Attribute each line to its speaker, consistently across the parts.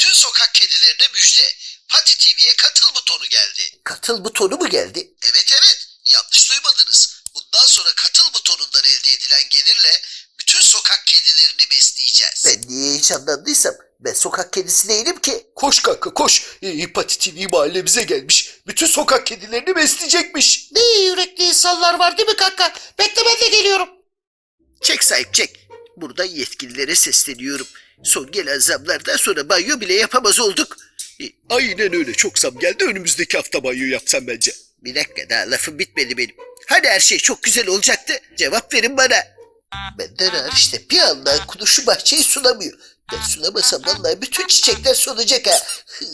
Speaker 1: Bütün sokak kedilerine müjde. Pati TV'ye katıl butonu geldi.
Speaker 2: Katıl butonu mu geldi?
Speaker 1: Evet. Yanlış duymadınız. Bundan sonra katıl butonundan elde edilen gelirle bütün sokak kedilerini besleyeceğiz.
Speaker 2: Ben niye heyecanlandıysam ben sokak kedisi değilim ki.
Speaker 3: Koş kanka koş. Pati TV mahallemize gelmiş. Bütün sokak kedilerini besleyecekmiş.
Speaker 2: Ne iyi yürekli insanlar var değil mi kanka? Bekle ben de geliyorum. Çek sahip çek. Buradan yetkililere sesleniyorum. Son gelen zamlardan sonra banyo bile yapamaz olduk.
Speaker 3: Aynen öyle, çok zam geldi, önümüzdeki hafta banyo yapsam bence.
Speaker 2: Bir dakika daha lafım bitmedi benim. Hani her şey çok güzel olacaktı? Cevap verin bana. Benden hariç işte bir anda kuduşu bahçeyi sulamıyor. Ben sulamasam vallahi bütün çiçekler solacak ha.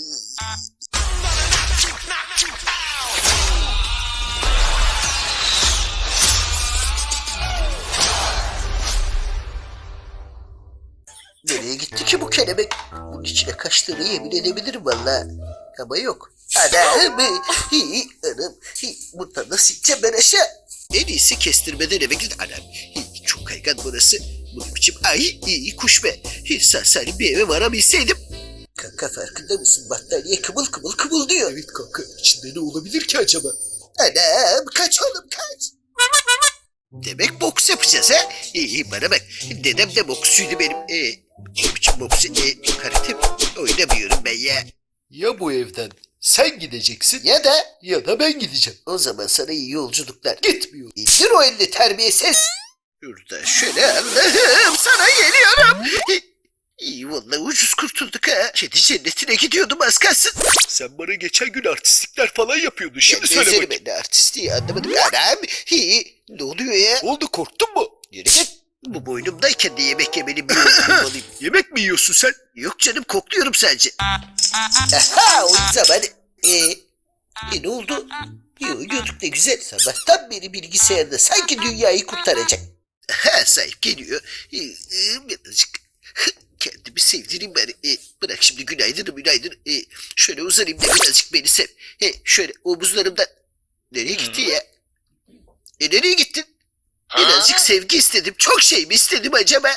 Speaker 2: Nereye gitti ki bu kelebek? Bunun içine kaçtığını yemin edebilirim vallahi. Ama yok. Anam, anam, buradan nasıl gideceğim ben aşağı? En iyisi kestirmeden eve gidin. Anam, çok kaygan burası. Bunun biçim kuş be. Salim bir eve varabilseydim. Kanka farkında mısın? Battaniye kımıl kımıl diyor.
Speaker 3: Evet kanka, içinde ne olabilir ki acaba?
Speaker 2: Anam, kaç oğlum kaç. Demek boks yapacağız ha? Bana bak. Dedem de boksçuydu benim. O biçim boksu, karate oynamıyorum ben ya.
Speaker 3: Ya bu evden sen gideceksin
Speaker 2: Ya da
Speaker 3: ben gideceğim.
Speaker 2: o zaman sana iyi yolculuklar.
Speaker 3: Gitmiyor.
Speaker 2: İndir o elini terbiyesiz. Şurada şöyle Allah'ım sana geliyorum. İyi vallahi ucuz kurtulduk ha. Kedi cennetine gidiyordum az kalsın.
Speaker 3: Sen bana geçen gün artistlikler falan yapıyordun. Şimdi söyle
Speaker 2: Gezerim
Speaker 3: bakayım.
Speaker 2: ben de artistliği anlamadım. Anam. Ne oluyor ya?
Speaker 3: Ne oldu, korktun mu?
Speaker 2: Yürü git. Bu boynumdayken de yemek yemenin bir yolunu bulmalıyım.
Speaker 3: Yemek mi yiyorsun sen?
Speaker 2: Yok canım kokluyorum sadece. Aha o zaman. Ne oldu? Oynuyorduk ne güzel. Sabahtan beri bilgisayarda sanki dünyayı kurtaracak. Ha sahip geliyor. Birazcık kendimi sevdireyim bari. Bırak şimdi günaydın. Şöyle uzanayım da birazcık beni sev. Şöyle omuzlarımdan. Nereye gitti ya? Nereye gittin? Birazcık sevgi istedim. Çok şey mi istedim acaba?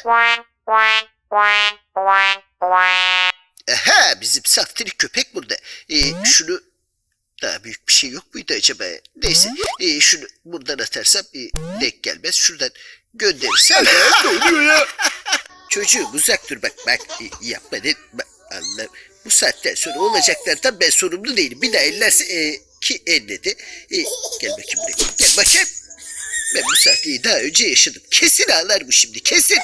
Speaker 2: Aha bizim saftirik köpek burada. Şunu daha büyük bir şey yok muydu acaba? Neyse şunu buradan atarsam denk gelmez. Şuradan gönderirsem.
Speaker 3: Ne oluyor ya?
Speaker 2: Çocuğum uzak dur bak yapma ne Allah. Bu saatten sonra olacaklardan ben sorumlu değilim. Bir daha ellerse ki elledi. Gel bakayım buraya. Gel bakayım. Ben bu sahteyi daha önce yaşadım. Kesin ağlar bu şimdi. Kesin.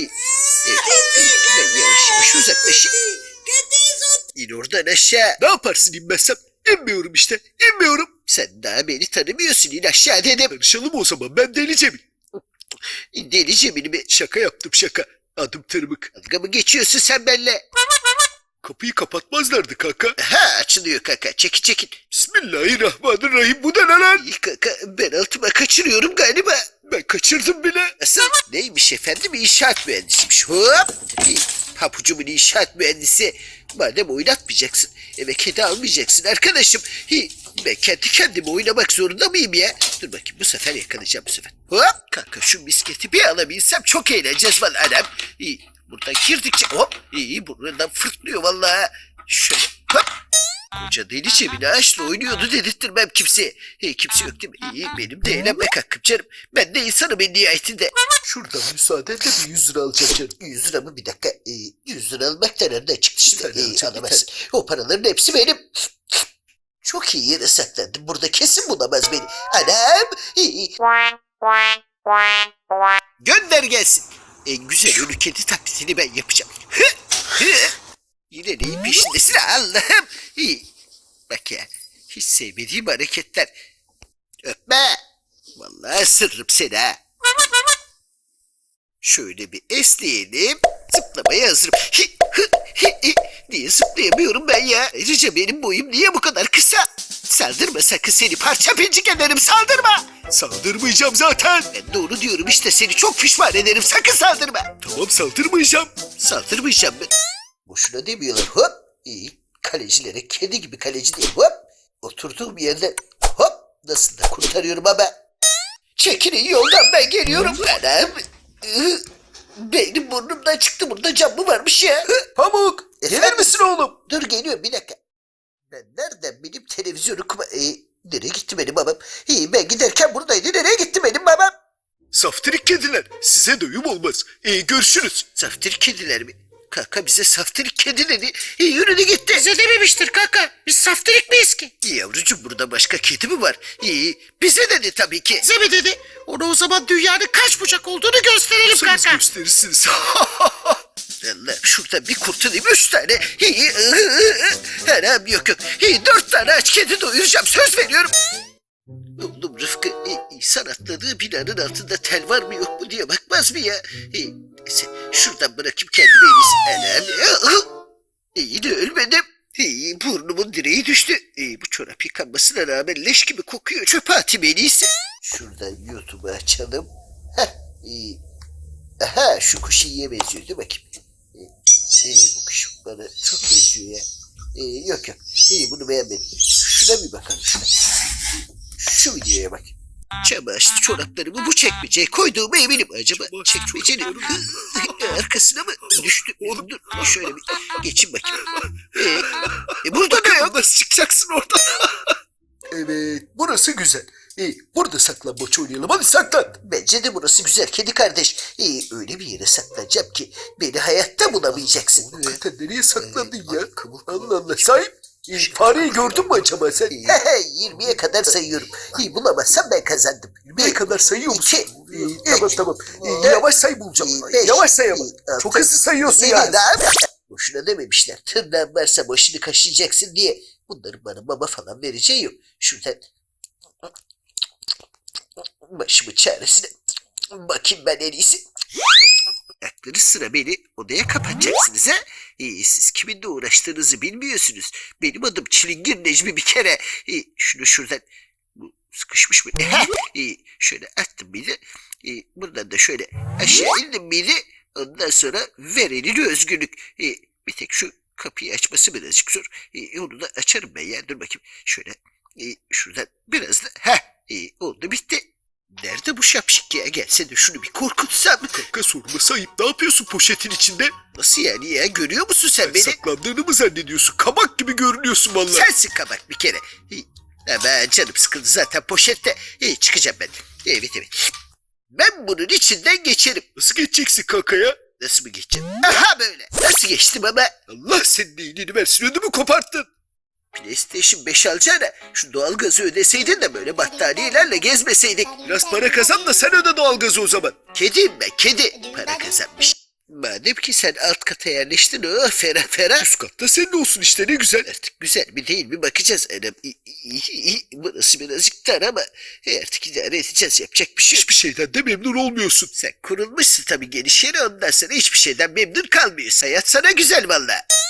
Speaker 2: Ben yavaş uzaklaşayım. İn oradan aşağı.
Speaker 3: Ne yaparsın inmezsem? İnmiyorum işte. İnmiyorum.
Speaker 2: Sen daha beni tanımıyorsun. İn aşağı dedim.
Speaker 3: Tanışalım o zaman. Ben Deli Cemil.
Speaker 2: Deli Cemil'imi
Speaker 3: Şaka yaptım şaka. Adım Tırmık.
Speaker 2: dalga mı geçiyorsun sen benimle?
Speaker 3: Kapıyı kapatmazlardı kanka.
Speaker 2: Ha açılıyor kaka. Çekin.
Speaker 3: Bismillahirrahmanirrahim. Bu da ne lan?
Speaker 2: İyi kaka ben altıma kaçırıyorum galiba.
Speaker 3: Ben kaçırdım bile.
Speaker 2: Nasıl? Neymiş efendim? İnşaat mühendisiymiş. Hop! Papucumun inşaat mühendisi. Madem oynatmayacaksın, eve kedi almayacaksın arkadaşım. Ben kendi kendime oynamak zorunda mıyım ya? Dur bakayım bu sefer yakalayacağım bu sefer. Hop! Kanka şu misketi bir alabilsem çok eğleneceğiz vallahi anam. Buradan girdikçe hop! Buradan fırtlıyor vallahi. Şöyle hop! Koca Deli Cemil ağaçla oynuyordu dedirttirmem kimseye. Kimse yok değil mi? Benim de eğlenmek hakkım canım. Ben de insanım en nihayetinde.
Speaker 3: Şuradan müsaadenle bir 100 lira alacağım canım.
Speaker 2: 100 lira mı bir dakika? 100 lira almak da nereden çıktı
Speaker 3: Bir tane
Speaker 2: şimdi?
Speaker 3: alacağım,
Speaker 2: Alamazsın. O paraların hepsi benim. Çok iyi yere saklandım. Burada kesin bulamaz beni. Anam! Gönder gelsin. En güzel ölü kedi taklidini ben yapacağım. Yine neyin peşindesin Allah'ım? Bak ya, hiç sevmediğim hareketler. Öpme. Vallahi ısırırım seni ha. Şöyle bir esneyelim. Zıplamaya hazırım. Niye zıplayamıyorum ben ya? Ayrıca benim boyum niye bu kadar kısa? Saldırma sakın seni parça pincik ederim saldırma.
Speaker 3: Saldırmayacağım zaten.
Speaker 2: Ben doğru diyorum işte seni çok pişman ederim sakın saldırma.
Speaker 3: Tamam saldırmayacağım.
Speaker 2: Saldırmayacağım ben. Boşuna demiyorlar hop. Kalecilere kedi gibi kaleci değil hop. Oturduğum yerden hop. Nasıl da kurtarıyorum ama. Çekilin yoldan ben geliyorum. Anam. Beynim burnumdan çıktı burada cam mı varmış ya?
Speaker 3: Pamuk Gelir misin oğlum?
Speaker 2: Dur geliyorum bir dakika. Ben nereden benim televizyonu nereye gitti benim babam? Ben giderken buradaydı. Nereye gitti benim babam?
Speaker 3: Saftirik kediler. Size doyum olmaz. Görüşürüz.
Speaker 2: Saftirik kediler mi? Kaka bize saftirik kedileri yürüdü gitti.
Speaker 4: Bize dememiştir kaka. Biz saftirik miyiz ki?
Speaker 2: Yavrucuğum burada başka kedi mi var? Bize dedi tabii ki.
Speaker 4: Bize mi dedi? Ona o zaman dünyanın kaç bucak olduğunu gösterelim
Speaker 3: Siz
Speaker 4: kaka.
Speaker 3: gösterirsiniz.
Speaker 2: Allah şurada bir kurtulayım 3 tane. Haram yok yok. 4 tane aç kedi doyuracağım söz veriyorum. Oğlum Rıfkı insan atladığı binanın altında tel var mı yok mu diye bakmaz mı ya? Neyse şuradan bırakayım kendime en iyisi. Anam. İyi de ölmedim. Burnumun direği düştü. Bu çorap yıkanmasına rağmen leş gibi kokuyor. Çöpe atayım en iyisi. Şuradan YouTube'u açalım. Aha şu kuş iyiye benziyor değil mi bakayım? Bu kuş bana çok benziyor ya. Yok yok. Bunu beğenmedim. Şuna bir bakalım şuna. Şu videoya bak. Çamaşır çoraplarımı bu çekmeceye koyduğuma eminim. Acaba çekmecenin arkasına mı düştü? Dur şöyle bir geçin bakayım. Burada da yok.
Speaker 3: Nasıl çıkacaksın oradan? Evet, burası güzel. Burada saklambaç oynayalım. Hadi saklan.
Speaker 2: Bence de burası güzel kedi kardeş. Öyle bir yere saklanacağım ki beni hayatta bulamayacaksın.
Speaker 3: Hakikaten nereye saklandın ya?
Speaker 2: Kıvıl kıvıl.
Speaker 3: Allah Allah. Sahip, fareyi gördün mü acaba sen?
Speaker 2: 20'ye kadar sayıyorum. Bulamazsam ben kazandım.
Speaker 3: 20'ye kadar sayıyor musun?
Speaker 2: İki,
Speaker 3: Tamam
Speaker 2: üç,
Speaker 3: tamam.
Speaker 2: dört,
Speaker 3: Yavaş say bulacağım.
Speaker 2: beş,
Speaker 3: Yavaş say ama.
Speaker 2: altı,
Speaker 3: Çok hızlı sayıyorsun
Speaker 2: yedi,
Speaker 3: ya.
Speaker 2: daha mı? Boşuna dememişler. Tırnağın varsa başını kaşıyacaksın diye. Bunların bana mama falan vereceği yok. Şuradan başımın çaresine bakayım ben en iyisi. Akları sıra beni odaya kapatacaksınız ha? Siz kiminle uğraştığınızı bilmiyorsunuz. Benim adım Çilingir Necmi bir kere. Şunu şuradan bu sıkışmış mı? Şöyle attım bir de. Buradan da şöyle aşağı indim miydi? Ondan sonra ver elini özgürlük. Bir tek şu kapıyı açması birazcık zor. Onu da açarım ben ya. Dur bakayım. Şöyle şuradan biraz da. Oldu bitti. Nerede bu şapşik ya? Gelse de şunu bir korkutsam.
Speaker 3: Kanka sorma Sahip. Ne yapıyorsun poşetin içinde?
Speaker 2: Nasıl yani ya? Görüyor musun sen beni?
Speaker 3: Saklandığını mı zannediyorsun? Kabak gibi görünüyorsun vallahi.
Speaker 2: Sensin kabak bir kere. Ama canım sıkıldı zaten poşette. Çıkacağım ben. Evet. Ben bunun içinden geçerim.
Speaker 3: Nasıl geçeceksin kanka ya?
Speaker 2: Nasıl mı geçeceğim? Aha böyle. Nasıl geçtim ama?
Speaker 3: Allah senin iyiliğini versin. Ödümü koparttın.
Speaker 2: PlayStation 5 alacağına şu doğalgazı ödeseydin de böyle battaniyelerle gezmeseydik.
Speaker 3: Biraz para kazan da sen öde doğalgazı o zaman.
Speaker 2: Kediyim ben kedi. Para kazanmış. Madem ki sen alt kata yerleştin ferah.
Speaker 3: Üst katta senin olsun işte ne güzel.
Speaker 2: Artık güzel mi değil mi bakacağız. Anam, burası birazcık dar ama artık idare edeceğiz. Yapacak bir şey yok.
Speaker 3: Hiçbir şeyden de memnun olmuyorsun.
Speaker 2: Sen kurulmuşsun tabii geniş yere ondan sonra hiçbir şeyden memnun kalmıyorsun. Hayat sana güzel valla.